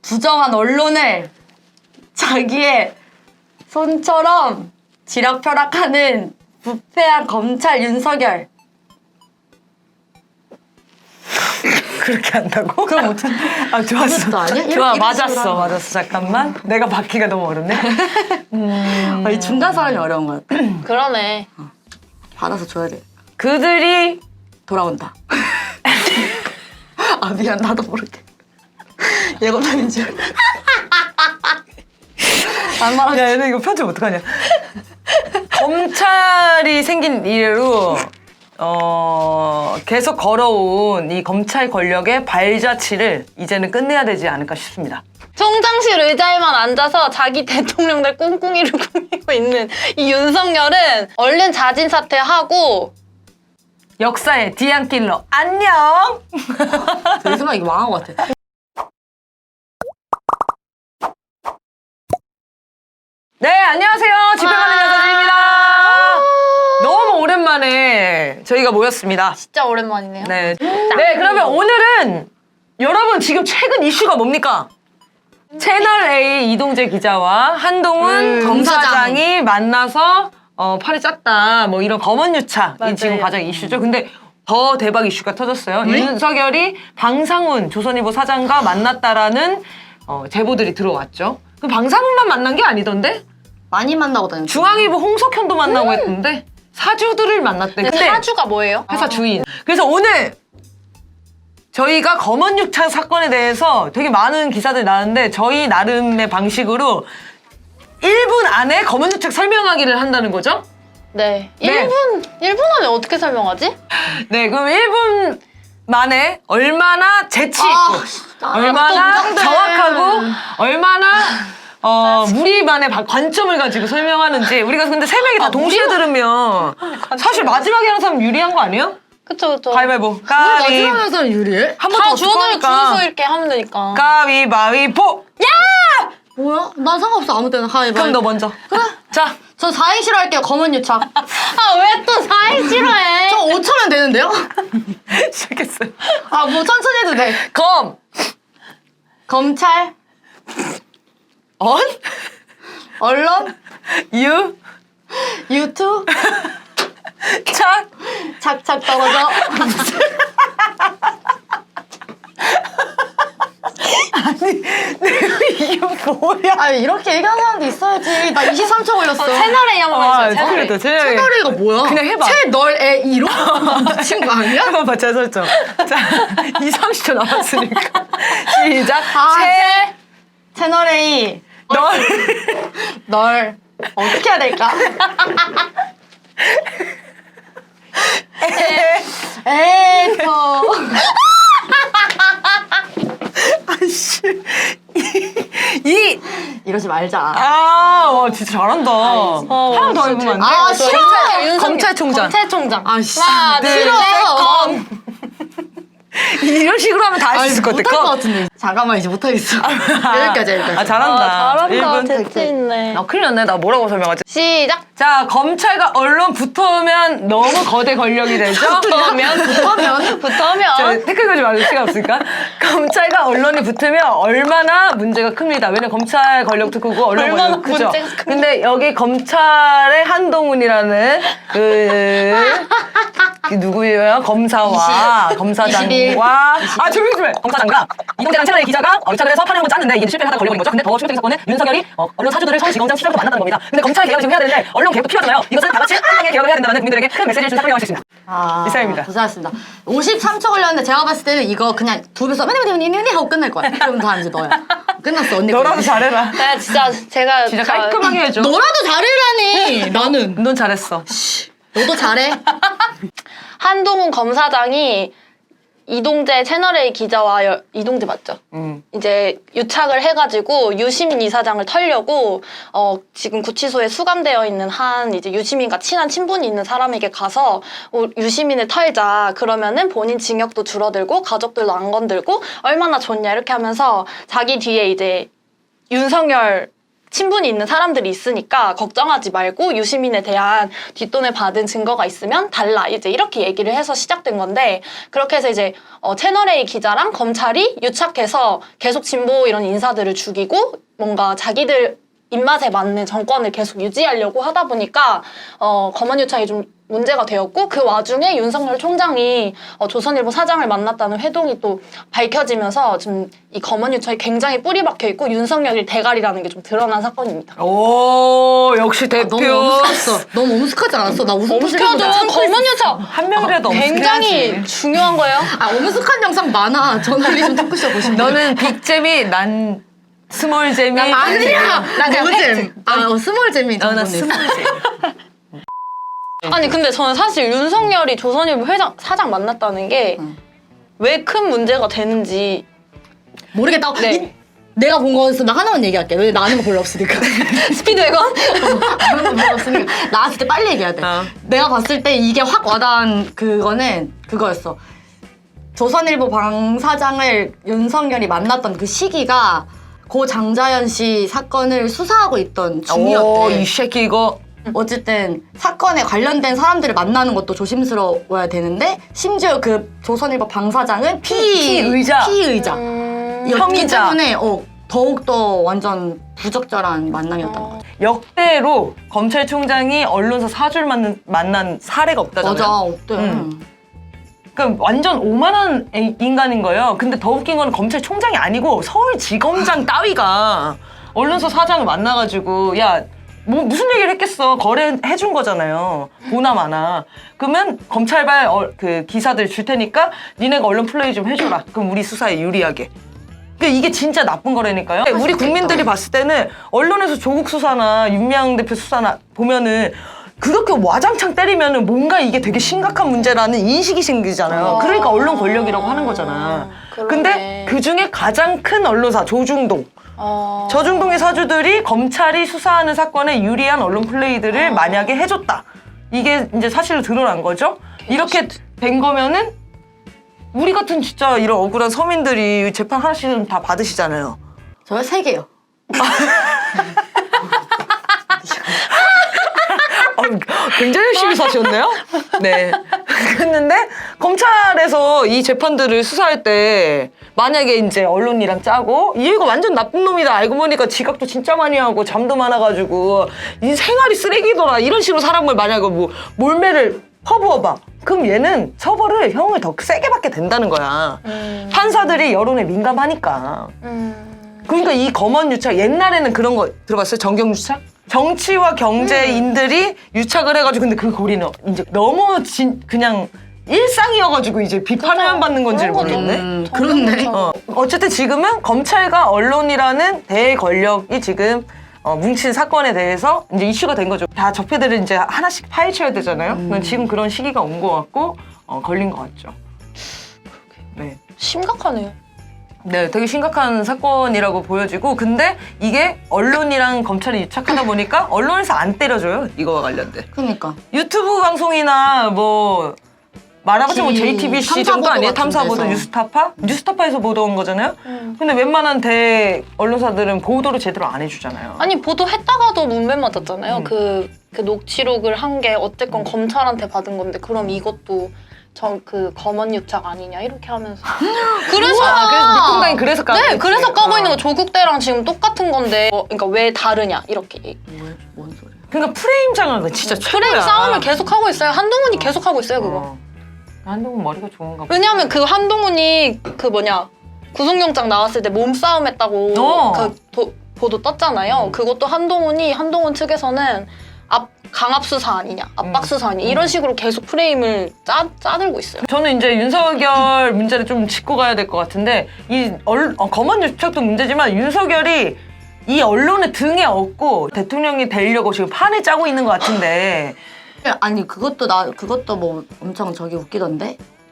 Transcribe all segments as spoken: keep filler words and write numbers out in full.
부정한 언론을 자기의 손처럼 지락펴락하는 부패한 검찰 윤석열. 그렇게 한다고? 그럼 어떻게? 아 좋았어. 그것도 아니야? 이렇게 좋아 이런 맞았어 식으로 하는 맞았어 잠깐만. 내가 받기가 너무 어렵네. 음... 아, 이 중간 사람이 어려운 거야. 그러네. 받아서 줘야 돼. 그들이 돌아온다. 아 미안 나도 모르게. 예고편인 줄. 안 말하지. 야 얘네 이거 편집 어떡하냐. 검찰이 생긴 이래로 어 계속 걸어온 이 검찰 권력의 발자취를 이제는 끝내야 되지 않을까 싶습니다. 총장실 의자에만 앉아서 자기 대통령들 꿍꿍이를 꾸미고 있는 이 윤석열은 얼른 자진 사퇴하고 역사의 디안킬러 안녕. 내 생각에 이거 망한 것 같아. 네 안녕하세요 집행하는 여자들입니다. 너무 오랜만에 저희가 모였습니다. 진짜 오랜만이네요. 네. 네, 그러면 오늘은 여러분 지금 최근 이슈가 뭡니까? 채널A 이동재 기자와 한동훈 음, 검사장이 만나서 어, 팔이 짰다 뭐 이런 검언유착이 맞아요. 지금 가장 이슈죠. 근데 더 대박 이슈가 터졌어요. 네? 윤석열이 방상훈 조선일보 사장과 만났다라는 어, 제보들이 들어왔죠. 그 방상훈만 만난 게 아니던데? 많이 만나고 다녔어. 중앙일보 홍석현도 만나고 했던데 사주들을 만났대. 근데 근데 사주가 뭐예요? 회사 주인. 그래서 오늘 저희가 검언유착 사건에 대해서 되게 많은 기사들이 나왔는데 저희 나름의 방식으로 일 분 안에 검언유착 설명하기를 한다는 거죠? 네. 네. 일 분, 일 분 안에 어떻게 설명하지? 네, 그럼 일 분 만에 얼마나 재치 있고 아, 나 얼마나 또 긴장돼. 정확하고 얼마나 어, 우리만의 바- 관점을 가지고 설명하는지 우리가 근데 세 명이 다 아, 동시에 들으면 사실 마지막에 하는 사람 유리한 거 아니에요? 그쵸, 그쵸. 가위바위보. 아, 가위. 마지막에서 유리해? 한 번 다 더 주워서 어떡하니까. 주워서 이렇게 하면 되니까. 가위바위보! 뭐야? 난 상관없어 아무 때나 하이바이. 그럼 너 먼저. 그래. 자, 저 사 인 싫어할게요. 검은 유착. 아, 왜 또 사인 싫어해? 저 오 초면 되는데요? 시작했어요. 아 뭐 천천히 해도 돼. 검, 검찰, 언, 언론, 유, 유튜브, 착. 착착 떨어져. 이게 뭐야? 아 이렇게 얘기하는 사람도 있어야지. 나 이십삼 초 걸렸어. 채널A 한번 아, 해주세요, 채널A. 그래도 채널A. 채널이가 뭐야? 그냥 해봐. 채널에 이로? 미친 거 아니야? 해봐봐, 제 설정. 자, 이, 삼십 초 남았으니까. 시작. 아, 채, 채널 A 널, 널 어떻게 해야 될까? 에이터 아이씨. 이, 이러지 말자. 아, 와, 진짜 잘한다. 어, 하나 더 진짜 해보면 안 돼? 아 싫어. 윤석열. 검찰총장. 검찰총장. 아씨 하나, 둘, 싫어. 셋, 검. 이런 식으로 하면 다 할 수 있을 것 같아. 못할 것 검. 같은데. 잠깐만 이제 못하겠어. 여기까지 여기까지. 아, 잘한다. 아, 잘한다. 일 분. 재치 있네. 아, 큰일 났네. 나 뭐라고 설명하지? 시작. 자, 검찰과 언론 붙으면 너무 거대 권력이 되죠? 붙으면, 붙으면, 저 붙으면. 댓글 걸지 말고 시간 없으니까. 검찰과 언론이 붙으면 얼마나 문제가 큽니다. 왜냐면 검찰 권력도 크고 언론 얼마나 권력도 크죠. 문제가 큽니다. 근데 여기 검찰의 한동훈이라는 그, 그 누구예요? 검사와 검사장과 아 조용히 좀 해. 검사장과 이동재랑 채널의 기자가 유착을 해서 판을 한번 짰는데 이게 실패를 하다 걸려버린 거죠. 근데 더 충격적인 사건은 윤석열이 어, 언론 사주들을 서울지검장 시절부터 만났다는 겁니다. 근데 검찰 개혁을 지금 해야 되는데 언론 개혁도 필요하잖아요. 이것은 다 같이 함께 개혁을 해야 된다는 국민들에게 큰 메시지를 준 사건이라고 할 수 있습니다. 아, 이상입니다. 고생하셨습니다. 오십삼 초 걸렸는데 제가 봤을 때는 이거 그냥 두 배서 맨맨맨맨맨 하고 끝날 거야. 그럼 다 이제 너야. 끝났어 언니. 너라도 거야. 잘해라. 네, 진짜 제가 진짜 저- 깔끔하게 해줘. 너라도 잘해라니. 나는. 넌 잘했어. 너도 잘해. 한동훈 검사장이 이동재 채널A 기자와 여, 이동재 맞죠? 음. 이제 유착을 해가지고 유시민 이사장을 털려고 어, 지금 구치소에 수감되어 있는 한 이제 유시민과 친한 친분이 있는 사람에게 가서 어, 유시민을 털자. 그러면은 본인 징역도 줄어들고 가족들도 안 건들고 얼마나 좋냐 이렇게 하면서 자기 뒤에 이제 윤석열 친분이 있는 사람들이 있으니까 걱정하지 말고 유시민에 대한 뒷돈을 받은 증거가 있으면 달라. 이제 이렇게 얘기를 해서 시작된 건데 그렇게 해서 이제 어, 채널A 기자랑 검찰이 유착해서 계속 진보 이런 인사들을 죽이고 뭔가 자기들 입맛에 맞는 정권을 계속 유지하려고 하다 보니까 어, 검언 유착이 좀 문제가 되었고 그 와중에 윤석열 총장이 어, 조선일보 사장을 만났다는 회동이 또 밝혀지면서 지금 이 검언 유착이 굉장히 뿌리 박혀 있고 윤석열이 대가리라는 게 좀 드러난 사건입니다. 오 역시 대표. 너무 엄숙했어. 너무 엄숙하지 않았어? 나 웃음 엄숙하죠. 검언 유착 한 명이라도 굉장히 엄숙해야지. 중요한 거예요. 아 엄숙한 영상 많아. 저널리즘 토크쇼 보시면. 너는 빅재미, 난 스몰재미. 아니야. 나 노잼. 아 어, 스몰잼이. 너는 스몰재미. 아니 근데 저는 사실 윤석열이 조선일보 회장 사장 만났다는 게 왜 큰 문제가 되는지 모르겠다. 네. 이, 내가 본 거에서 나 하나만 얘기할게. 왜 나 아는 거 별로 없으니까. 스피드웨건? 아는 거 별로 없으니까. 나왔을 때 빨리 얘기해야 돼. 어. 내가 봤을 때 이게 확 와닿은 그거는 그거였어. 조선일보 방 사장을 윤석열이 만났던 그 시기가 고 장자연 씨 사건을 수사하고 있던 중이었대. 오, 이 새끼 이거. 어쨌든 사건에 관련된 사람들을 만나는 것도 조심스러워야 되는데 심지어 그 조선일보 방 사장은 피, 피의자. 피의자. 음... 였기 혐의자. 때문에 어, 더욱더 완전 부적절한 만남이었던 것 같아. 역대로 검찰총장이 언론사 사주를 만난, 만난 사례가 없다잖아요. 맞아, 없대. 음. 그러니까 완전 오만한 애- 인간인 거예요. 근데 더 웃긴 건 검찰총장이 아니고 서울지검장 따위가 언론사 사장을 만나가지고 야 뭐 무슨 얘기를 했겠어. 거래해준 거잖아요. 보나마나. 그러면 검찰발 어, 그 기사들 줄 테니까 니네가 언론 플레이 좀 해줘라. 그럼 우리 수사에 유리하게. 그러니까 이게 진짜 나쁜 거라니까요. 우리 국민들이 봤을 때는 언론에서 조국 수사나 윤미향 대표 수사나 보면은 그렇게 와장창 때리면은 뭔가 이게 되게 심각한 문제라는 인식이 생기잖아요. 그러니까 언론 권력이라고 하는 거잖아. 그러네. 근데 그 중에 가장 큰 언론사 조중동. 어... 저중동의 사주들이 검찰이 수사하는 사건에 유리한 언론 플레이들을 만약에 해줬다. 이게 이제 사실로 드러난 거죠. 이렇게 된 거면은 우리 같은 진짜 이런 억울한 서민들이 재판 하나씩은 다 받으시잖아요. 저요? 세 개요. 어, 굉장히 열심히 사셨네요. 네. 그랬는데 검찰에서 이 재판들을 수사할 때 만약에 이제 언론이랑 짜고 얘가 완전 나쁜 놈이다 알고 보니까 지각도 진짜 많이 하고 잠도 많아가지고 이 생활이 쓰레기더라 이런 식으로 사람을 만약에 뭐 몰매를 퍼부어봐. 그럼 얘는 처벌을 형을 더 세게 받게 된다는 거야. 음... 판사들이 여론에 민감하니까. 음... 그러니까 이 검언 유착 옛날에는 그런 거 들어봤어요? 정경 유착? 정치와 경제인들이 유착을 해가지고 근데 그 고리는 이제 너무 진, 그냥 일상이어가지고 이제 비판을 받는 건지를 그런 거죠. 모르겠네. 음, 그렇네. 어. 어쨌든 지금은 검찰과 언론이라는 대권력이 지금 어, 뭉친 사건에 대해서 이제 이슈가 된 거죠. 다 적폐들을 이제 하나씩 파헤쳐야 되잖아요. 음. 지금 그런 시기가 온 것 같고 어, 걸린 것 같죠. 네. 심각하네요. 네, 되게 심각한 사건이라고 보여지고 근데 이게 언론이랑 검찰이 유착하다 보니까 언론에서 안 때려줘요. 이거와 관련된. 그러니까. 유튜브 방송이나 뭐 말하자면 뭐 지- 제이티비씨 정도 탐사보도 아니에요? 같은 탐사보도, 데서. 뉴스타파? 뉴스타파에서 보도한 거잖아요? 음. 근데 웬만한 대 언론사들은 보도를 제대로 안 해주잖아요. 아니 보도했다가도 문맥 맞았잖아요. 음. 그, 그 녹취록을 한 게 어쨌건 검찰한테 받은 건데 그럼 이것도 저 그 검언 유착 아니냐 이렇게 하면서 그래서 아, 그래서 민통당이 그래서 까고 네 있지. 그래서 까고 있는 어. 거 조국 때랑 지금 똑같은 건데 어, 그러니까 왜 다르냐 이렇게 얘기. 뭐, 뭔 소리야. 그러니까 프레임 장악은 진짜 최고야. 프레임 싸움을 계속 하고 있어요. 한동훈이 계속 하고 있어요 그거. 어. 한동훈 머리가 좋은가 봐. 왜냐하면 그 한동훈이 그 뭐냐 구속영장 나왔을 때 몸싸움 했다고 어. 그 도- 보도 떴잖아요. 그것도 한동훈이 한동훈 측에서는 압, 강압 수사 아니냐, 압박 음. 수사 아니냐 이런 식으로 계속 프레임을 짜, 짜들고 있어요. 저는 이제 윤석열 문제를 좀 짚고 가야 될 것 같은데 이 얼, 어, 검언 유착도 문제지만 윤석열이 이 언론의 등에 업고 대통령이 되려고 지금 판을 짜고 있는 것 같은데 아니 그것도 나 그것도 뭐 엄청 저기 웃기던데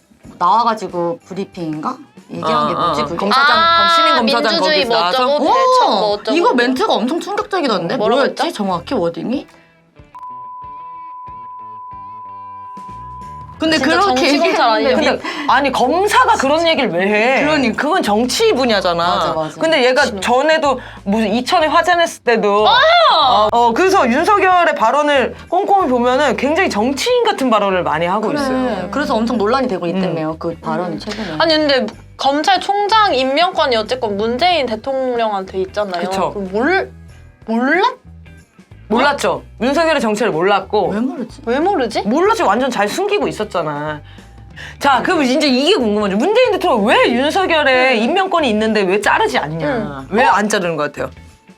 나와가지고 브리핑인가 얘기한 게 어, 뭐지 어, 그게? 검사장, 아, 신임 검사장 민주주의 거기서 뭐 나와서 어쩌고 오! 대척 뭐 어쩌고 이거 멘트가 엄청 충격적이던데 뭐라고 뭐였지 했죠? 정확히 워딩이? 근데 진짜 그렇게 정치 검찰 아니에요? 얘기했는데 근데 아니 검사가 그런 얘기를 왜 해? 그러니까. 그건 정치 분야잖아. 맞아, 맞아. 근데 얘가 전에도 무슨 이천에 화재 냈을 때도 어, 어, 그래서 윤석열의 발언을 꼼꼼히 보면은 굉장히 정치인 같은 발언을 많이 하고 그래. 있어요. 그래서 엄청 논란이 되고 음. 있다며요. 그 발언이 최근에. 아니 근데 검찰총장 임명권이 어쨌건 문재인 대통령한테 있잖아요. 그쵸. 그럼 몰 몰라? 몰랐죠. 윤석열의 정체를 몰랐고 왜 모르지? 왜 모르지? 몰랐지. 완전 잘 숨기고 있었잖아. 자, 그럼 이제 이게 궁금하죠. 문재인 대통령 왜 윤석열의 임명권이 있는데 왜 자르지 않냐? 응. 왜 안 자르는 것 같아요?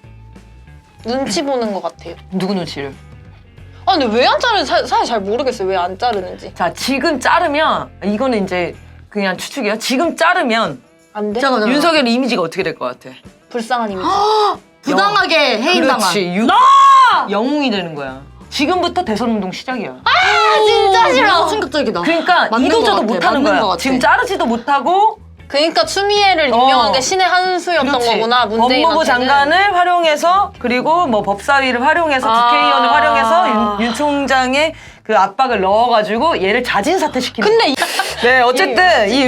눈치 보는 것 같아요. 누구 눈치를? 아 근데 왜 안 자르는지 사- 사실 잘 모르겠어요. 왜 안 자르는지. 자, 지금 자르면 이거는 이제 그냥 추측이야. 지금 자르면 안 돼? 잠깐만. 윤석열 이미지가 어떻게 될 것 같아? 불쌍한 이미지. 부당하게 해임당한. 그렇지. 유... 영웅이 되는 거야. 지금부터 대선 운동 시작이야. 아, 진짜 싫어. 충격적이다. 그러니까 맞는 이도저도 것 같아, 못하는 맞는 것 거야. 같아. 지금 자르지도 못하고 그러니까 추미애를 임명한 어. 게 신의 한 수였던 그렇지. 거구나. 문재인한테는. 법무부 장관을 활용해서 그리고 뭐 법사위를 활용해서 아. 국회의원을 활용해서 윤, 윤 총장의 그 압박을 넣어가지고 얘를 자진 사퇴시키는. 근데 이- 네 어쨌든 이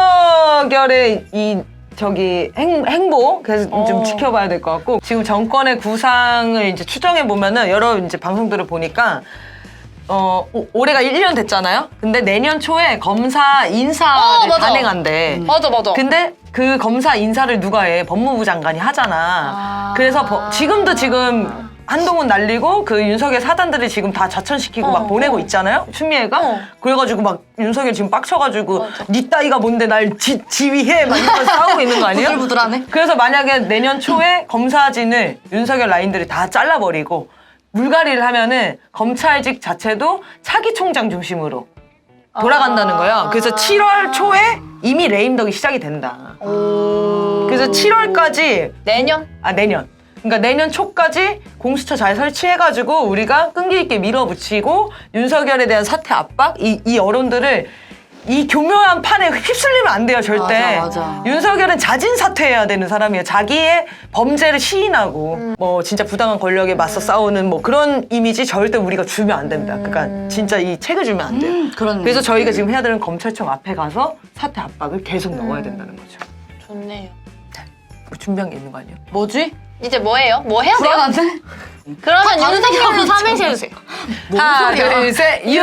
윤석열의 이 저기 행, 행보 그래서 어. 좀 지켜봐야 될 것 같고 지금 정권의 구상을 이제 추정해 보면은 여러 이제 방송들을 보니까. 어 오- 올해가 일 년 됐잖아요. 근데 내년 초에 검사 인사를 어, 맞아. 단행한대. 맞아 맞아. 근데 그 검사 인사를 누가 해? 법무부 장관이 하잖아. 아. 그래서 버- 지금도 지금 한동훈 날리고 그 윤석열 사단들이 지금 다 좌천시키고 어, 막 보내고 어. 있잖아요. 추미애가. 어. 그래가지고 막 윤석열 지금 빡쳐가지고 맞아. 니 따위가 뭔데 날 지, 지휘해 막 이러면서 싸우고 있는 거 아니에요? 부들부들하네. 그래서 만약에 내년 초에 검사진을 윤석열 라인들이 다 잘라버리고 물갈이를 하면은 검찰직 자체도 차기 총장 중심으로 돌아간다는 아. 거예요. 그래서 칠월 초에 이미 레임덕이 시작이 된다. 오. 그래서 칠월까지 내년? 아 내년 그러니까 내년 초까지 공수처 잘 설치해가지고 우리가 끈기 있게 밀어붙이고 윤석열에 대한 사퇴 압박 이, 이 여론들을 이 교묘한 판에 휩쓸리면 안 돼요 절대. 맞아, 맞아. 윤석열은 자진 사퇴해야 되는 사람이에요. 자기의 범죄를 시인하고 음. 뭐 진짜 부당한 권력에 맞서 싸우는 뭐 그런 이미지 절대 우리가 주면 안 된다. 그러니까 진짜 이 책을 주면 안 돼요. 음, 그런. 그래서 저희가 지금 해야 되는 검찰청 앞에 가서 사퇴 압박을 계속 넣어야 된다는 거죠. 좋네요. 뭐 준비한 게 있는 거 아니에요? 뭐지? 이제 뭐 해요? 뭐 해야 돼요? 불안한데? 그러면 아, 윤석열로 다른 삼행시 해주세요. 뭔 하나, 소리야? 둘, 셋, 윤!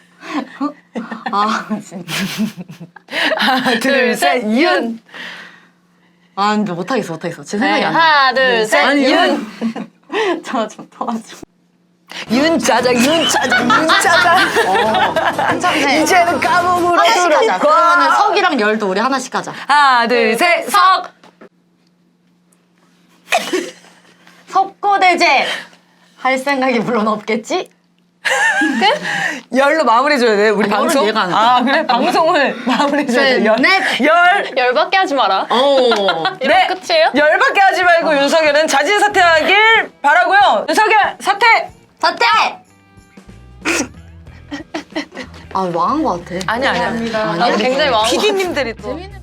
아 진짜. 하나, 둘, 셋, 윤! 아 근데 못하겠어 못하겠어. 제 네, 생각이 안 나. 하나, 둘, 셋, 아니, 윤! 저좀 도와줘. 윤짜장, 윤짜장, 윤짜장! 괜찮네. 이제는 까먹으로 하나씩 하자. 들어가. 그러면은 석이랑 열도 우리 하나씩 하자. 하나, 둘, 셋, 석! 석고대제 할 생각이 물론 없겠지? 열로 마무리해줘야 돼, 우리 아니, 열은 방송? 얘가 안 돼. 아, 그래? 방송을 마무리해줘야 돼. 셋, 열. 넷. 열! 열받게 하지 마라. 어. 이러면 끝이에요? 열받게 하지 말고 윤석열은 자진 사퇴하길 바라고요. 윤석열 사퇴! 사퇴! 아 망한 것 같아. 아니야, 아니야. 아, 굉장히 마음 피디님들이 또. 재밌는